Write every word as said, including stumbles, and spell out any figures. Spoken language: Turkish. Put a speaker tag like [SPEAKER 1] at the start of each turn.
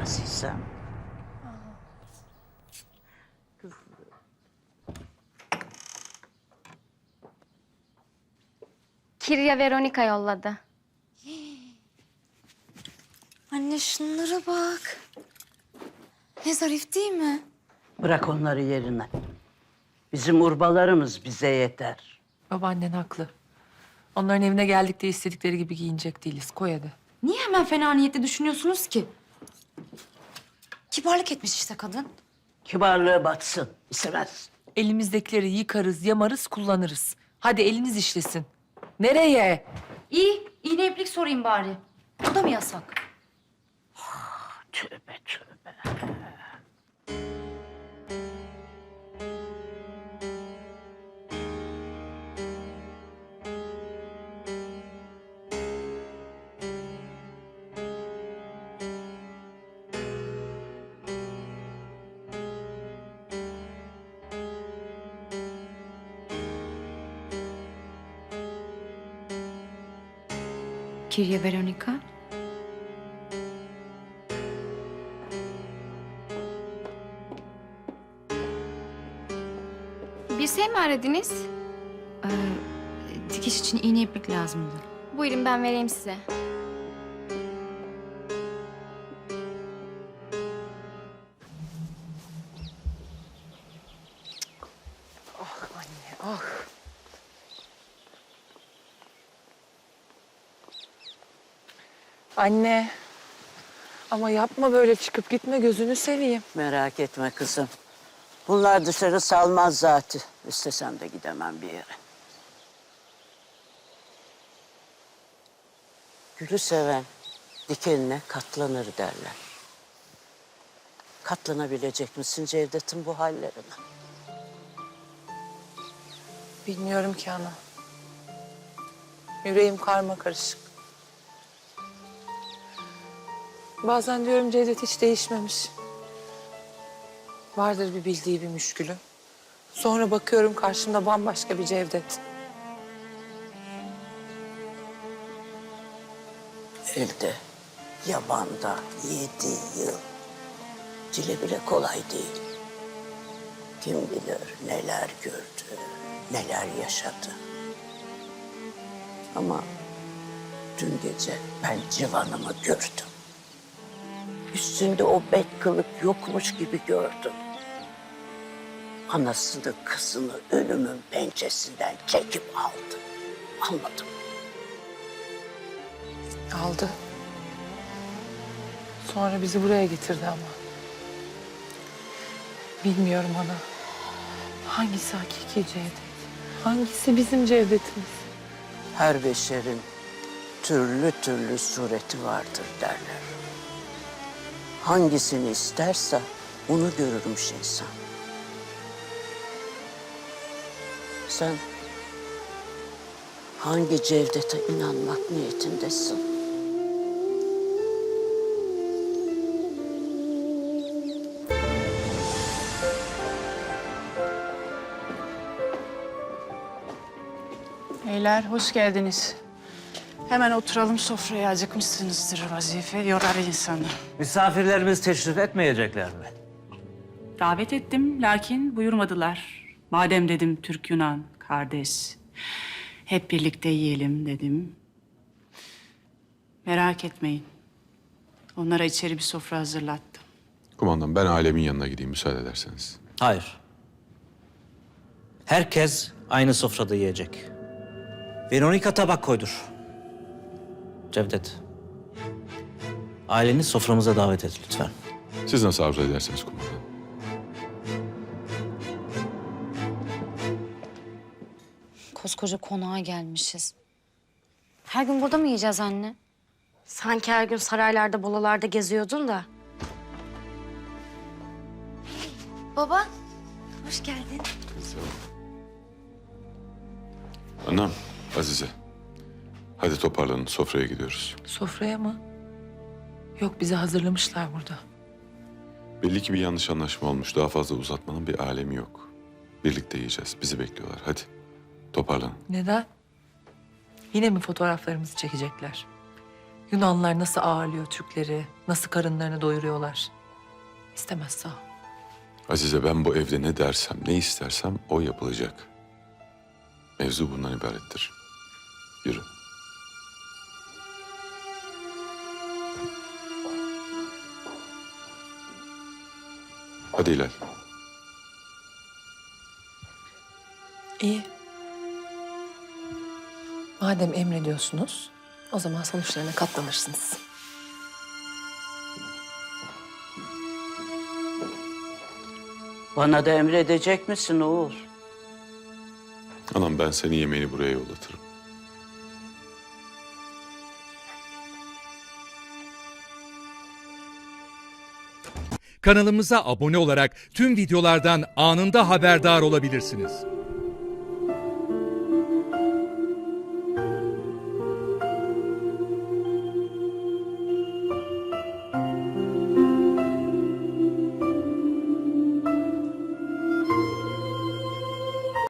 [SPEAKER 1] Azizem.
[SPEAKER 2] Kirya Veronika yolladı.
[SPEAKER 3] Anne şunlara bak. Ne zarif değil mi?
[SPEAKER 1] Bırak onları yerine. Bizim urbalarımız bize yeter.
[SPEAKER 4] Babaannen haklı. Onların evine geldik de istedikleri gibi giyinecek değiliz. Koy hadi.
[SPEAKER 3] Niye hemen fena niyetli düşünüyorsunuz ki? Kibarlık etmiş işte kadın.
[SPEAKER 1] Kibarlığı batsın. İstemez.
[SPEAKER 4] Elimizdekileri yıkarız, yamarız, kullanırız. Hadi eliniz işlesin. Nereye?
[SPEAKER 3] İyi, iğne iplik sorayım bari. O da mı yasak?
[SPEAKER 1] Tövbe tövbe.
[SPEAKER 3] Kirya Veronika.
[SPEAKER 2] Bir şey mi aradınız?
[SPEAKER 3] Ee, dikiş için iğne iplik lazımdı.
[SPEAKER 2] Buyurun ben vereyim size.
[SPEAKER 4] Ah. Anne. Ama yapma böyle çıkıp gitme gözünü seveyim.
[SPEAKER 1] Merak etme kızım. Bunlar dışarı salmaz zaten. İstesem de gidemem bir yere. Gülü seven dikenine katlanır derler. Katlanabilecek misin Cevdet'in bu hallerine?
[SPEAKER 4] Bilmiyorum ki ana. Yüreğim karma karışık. Bazen diyorum Cevdet hiç değişmemiş. Vardır bir bildiği bir müşkülü. Sonra bakıyorum karşımda bambaşka bir Cevdet.
[SPEAKER 1] Elde, yabanda yedi yıl. Dile bile kolay değil. Kim bilir neler gördü, neler yaşadı. Ama dün gece ben civanımı gördüm. Üstünde o bet kılık yokmuş gibi gördüm. Anasını kızını ölümün pençesinden çekip aldı. Anladım.
[SPEAKER 4] Aldı. Sonra bizi buraya getirdi ama. Bilmiyorum ana. Hangisi hakiki Cevdet? Hangisi bizim Cevdet'imiz?
[SPEAKER 1] Her beşerin türlü türlü sureti vardır derler. Hangisini isterse onu görürmüş insan. Sen hangi Cevdet'e inanmak niyetindesin?
[SPEAKER 5] Beyler hoş geldiniz. Hemen oturalım sofraya, acıkmışsınızdır, vazife yorar insanı.
[SPEAKER 6] Misafirlerimiz teşrif etmeyecekler mi?
[SPEAKER 5] Davet ettim lakin buyurmadılar. Madem dedim Türk Yunan kardeş, hep birlikte yiyelim dedim. Merak etmeyin. Onlara içeri bir sofra hazırlattım.
[SPEAKER 7] Kumandan ben ailemin yanına gideyim müsaade ederseniz.
[SPEAKER 6] Hayır. Herkes aynı sofrada yiyecek. Veronika tabak koydur. Cevdet. Aileni soframıza davet et lütfen.
[SPEAKER 7] Siz nasıl arzu ederseniz kumandan.
[SPEAKER 3] Koskoca konağa gelmişiz. Her gün burada mı yiyeceğiz anne?
[SPEAKER 8] Sanki her gün saraylarda, bolalarda geziyordun da.
[SPEAKER 3] Baba, hoş geldin.
[SPEAKER 7] Anam, Azize. Hadi toparlanın sofraya gidiyoruz.
[SPEAKER 4] Sofraya mı? Yok bizi hazırlamışlar burada.
[SPEAKER 7] Belli ki bir yanlış anlaşma olmuş. Daha fazla uzatmanın bir alemi yok. Birlikte yiyeceğiz. Bizi bekliyorlar. Hadi toparlanın.
[SPEAKER 4] Neden? Yine mi fotoğraflarımızı çekecekler? Yunanlılar nasıl ağırlıyor Türkleri, nasıl karınlarını doyuruyorlar. İstemez sağ ol.
[SPEAKER 7] Azize, ben bu evde ne dersem, ne istersem o yapılacak. Mevzu bundan ibarettir. Yürü. Hadi Hilal.
[SPEAKER 4] İyi. Madem emrediyorsunuz, o zaman sonuçlarına katlanırsınız.
[SPEAKER 1] Bana da emredecek misin oğul?
[SPEAKER 7] Anam, ben seni yemeğini buraya yollatırım.
[SPEAKER 9] Kanalımıza abone olarak tüm videolardan anında haberdar olabilirsiniz.